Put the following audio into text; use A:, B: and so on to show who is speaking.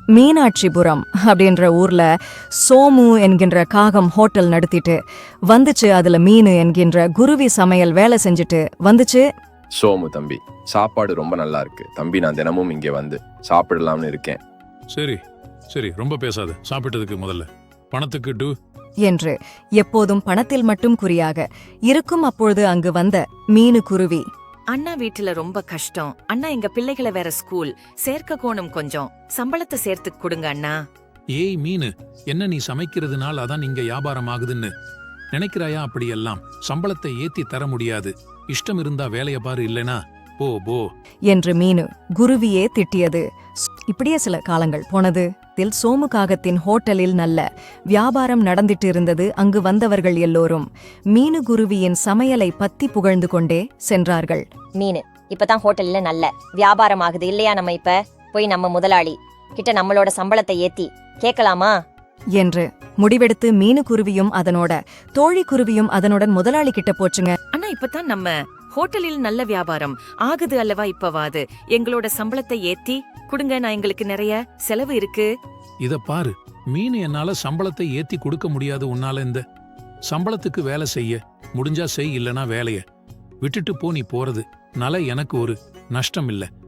A: மீனாட்சிபுரம் அப்படின்ற ஊர்ல சோமு என்கின்ற காகம் ஹோட்டல் நடத்திட்டு வந்துச்சு. அதுல மீனு என்கின்ற குருவி சமையல் வேலை செஞ்சுட்டு வந்துச்சு.
B: சோமு தம்பி, சாப்பாடு ரொம்ப நல்லா இருக்கு தம்பி. நான் தினமும் இங்கே வந்து சாப்பிடலாம்னு இருக்கேன்.
C: சரி சரி, ரொம்ப பேசாத. சாப்பிட்டதுக்கு முதல்ல பணத்துக்கு டூ
A: என்று எப்போதும் பணத்தில் மட்டும் குறியாக இருக்கும். அப்பொழுது அங்கு வந்த மீனு குருவி,
D: அண்ணா வீட்டுல ரொம்ப கஷ்டம் அண்ணா. எங்க பிள்ளைகளை வேற ஸ்கூல் சேர்க்க கோணும், கொஞ்சம் சம்பளத்தை சேர்த்து கொடுங்க அண்ணா.
C: ஏய் மீனு, என்ன நீ சமைக்கிறதுனால அதான் இங்க வியாபாரம் ஆகுதுன்னு நினைக்கிறாயா? அப்படியெல்லாம் சம்பளத்தை ஏத்தி தர முடியாது. இஷ்டம் இருந்தா வேலைய பாரு, இல்லனா போ போ
A: என்று மீனு குருவியே திட்டியது. இப்படியே சில காலங்கள் போனது. சோமு காகத்தின் ஹோட்டலில் நல்ல வியாபாரம் நடந்திட்டு இருந்தது. அங்கு வந்தவர்கள் எல்லோரும் மீனு குருவியின் சமையலை பத்தி புகழ்ந்து கொண்டே சென்றார்கள்.
E: மீனு இப்பதான் ஹோட்டல்ல நல்ல வியாபாரம் ஆகுது இல்லையா? நம்ம இப்ப போய் நம்ம முதலாளி கிட்ட நம்மளோட சம்பளத்தை ஏத்தி கேட்கலாமா
A: என்று முடிவெடுத்து மீனு குருவியும் அதனோட தோழி குருவியும் அதனுடன் முதலாளி கிட்ட போச்சுங்க.
D: அண்ணா, இப்பதான் நம்ம ஹோட்டலில் நல்ல வியாபாரம் ஆகுது அல்லவா? இப்பவாது எங்களோட சம்பளத்தை ஏத்தி கொடுங்க, நான் எங்களுக்கு நிறைய செலவு இருக்கு.
C: இத பாரு மீனு, என்னால சம்பளத்தை ஏத்தி கொடுக்க முடியாது. உன்னால இந்த சம்பளத்துக்கு வேலை செய்ய முடிஞ்சா செய், இல்லனா வேலைய விட்டுட்டு போ. நீ போறது நால எனக்கு ஒரு நஷ்டம் இல்ல.